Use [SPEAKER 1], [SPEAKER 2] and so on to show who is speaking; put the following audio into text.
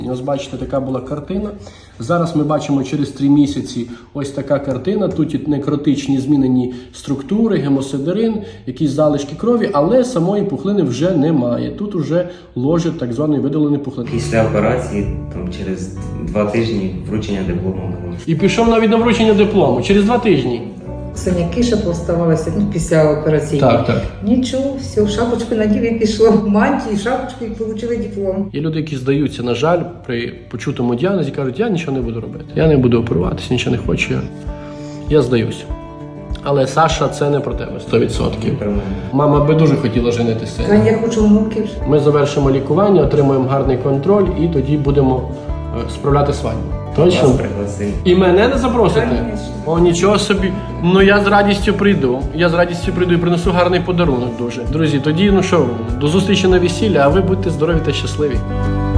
[SPEAKER 1] Ось бачите, така була картина. Зараз ми бачимо через 3 місяці ось така картина. Тут і некротичні змінені структури, гемосидерин, якісь залишки крові, але самої пухлини вже немає. Тут вже ложить так званий видалений пухлин.
[SPEAKER 2] Після операції, там через 2 тижні вручення диплому було.
[SPEAKER 1] І пішов навіть на вручення диплому через 2 тижні.
[SPEAKER 3] Синяки ще поставалися після операції.
[SPEAKER 1] Так.
[SPEAKER 3] Нічого, все, шапочку надів і пішло в мантії, шапочку і отримали диплом.
[SPEAKER 1] Є люди, які здаються, на жаль, при почутому діагнозі, кажуть, я нічого не буду робити. Я не буду оперуватися, нічого не хочу. Я здаюся. Але Саша, це не про тебе, 100%. Мама би дуже хотіла женитися.
[SPEAKER 3] Я хочу внуків.
[SPEAKER 1] Ми завершимо лікування, отримаємо гарний контроль і тоді будемо справляти свадьбу. Точно?
[SPEAKER 2] Вас пригласили.
[SPEAKER 1] І мене не запросите?
[SPEAKER 3] Конечно.
[SPEAKER 1] О, нічого собі. Ну я з радістю прийду. Я з радістю прийду і принесу гарний подарунок дуже. Друзі, тоді, ну що, до зустрічі на весілля, а ви будьте здорові та щасливі.